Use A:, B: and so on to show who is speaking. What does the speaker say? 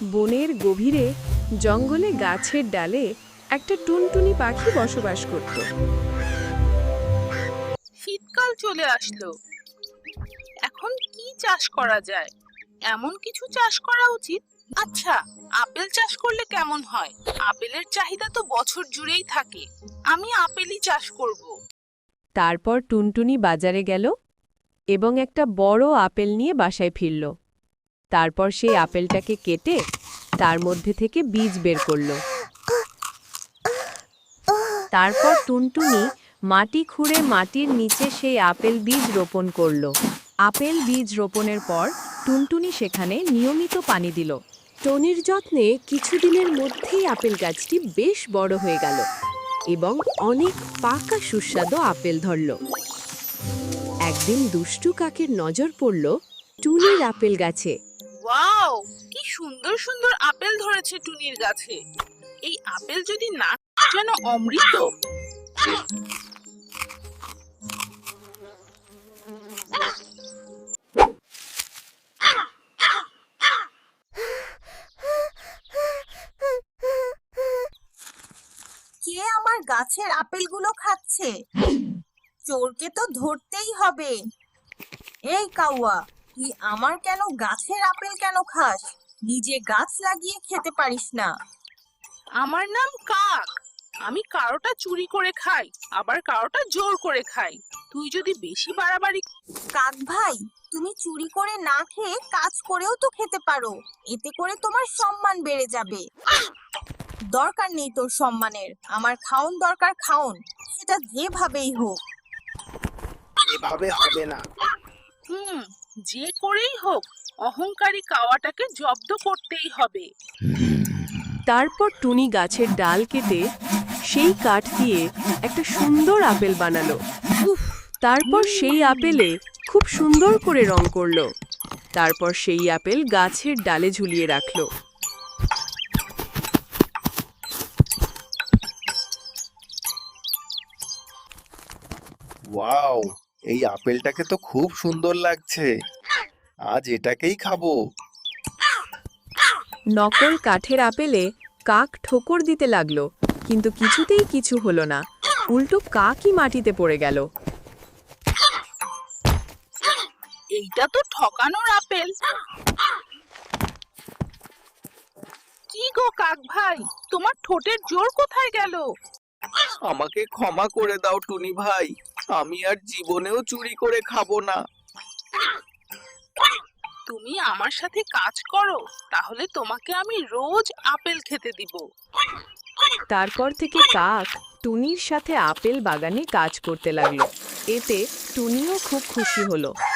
A: বনের গভীরে জঙ্গলে গাছের ডালে একটা টুনটুনি পাখি বসবাস করত।
B: শীতকাল চলে আসলো। এখন কি চাষ করা যায়? এমন কিছু চাষ করা উচিত। আচ্ছা, আপেল চাষ করলে কেমন হয়? আপেলের চাহিদা তো বছর জুড়েই থাকে। আমি আপেলই চাষ করব।
A: তারপর টুনটুনি বাজারে গেল এবং একটা বড় আপেল নিয়ে বাসায় ফিরল। তারপর সেই আপেলটাকে কেটে তার মধ্যে থেকে বীজ বের করল। তারপর টুনটুনি মাটি খুঁড়ে মাটির নিচে সেই আপেল বীজ রোপণ করল। আপেল বীজ রোপণের পর টুনটুনি সেখানে নিয়মিত পানি দিল। টনির যত্নে কিছুদিনের মধ্যেই আপেল গাছটি বেশ বড় হয়ে গেল এবং অনেক পাকা সুস্বাদু আপেল ধরল। একদিন দুষ্টু কাকের নজর পড়ল টুনির আপেল গাছে।
B: ওয়াও, কি সুন্দর সুন্দর আপেল ধরেছে টুনির গাছে। এই আপেল যদি না যেন অমৃত।
C: কে আমার গাছের আপেলগুলো খাচ্ছে? চোরকে তো ধরতেই হবে। এই কাউয়া, তুই আমার কেন গাছের আপেল কেন খাস? নিজে গাছ লাগিয়ে খেতে পারিস না?
B: আমার নাম কাক। আমি কারোটা চুরি করে খাই, আবার কারোটা জোর করে খাই। তুই যদি বেশি বাড়াবাড়ি।
C: কাক ভাই, তুমি চুরি করে না খেয়ে কাজ করেও তো খেতে পারো। এতে করে তোমার সম্মান বেড়ে যাবে। দরকার নেই তোর সম্মানের। আমার খাওন দরকার, খাওন, সেটা যেভাবেই হোক।
D: এভাবে হবে না।
B: যে করেই হোক অহংকারী কাওয়াটাকে জব্দ করতেই হবে।
A: তারপর টুনি গাছের ডাল কেটে সেই কাঠ দিয়ে একটা সুন্দর আপেল বানালো। তারপর সেই আপেলে খুব সুন্দর করে রং করলো। তারপর সেই আপেল গাছের ডালে ঝুলিয়ে রাখলো।
D: ওয়াও, এই আপেলটাকে তো খুব সুন্দর লাগছে। আজ এটাকেই খাবো।
A: নকল কাঠের আপেলে কাক ঠোকর দিতে লাগলো, কিন্তু কিছুতেই কিছু হলো না। উল্টো কাকই মাটিতে পড়ে গেল।
B: এইটা তো ঠকানোর আপেল। কি গো কাক ভাই, তোমার ঠোঁটের জোর কোথায় গেল?
D: আমাকে ক্ষমা করে দাও টুনি ভাই, আমি আর জীবনেও চুরি করে খাবো না।
B: তুমি আমার সাথে কাজ করো, তাহলে তোমাকে আমি রোজ আপেল খেতে দিব।
A: তারপর থেকে কাক টুনির সাথে আপেল বাগানে কাজ করতে লাগলো। এতে টুনিও খুব খুশি হলো।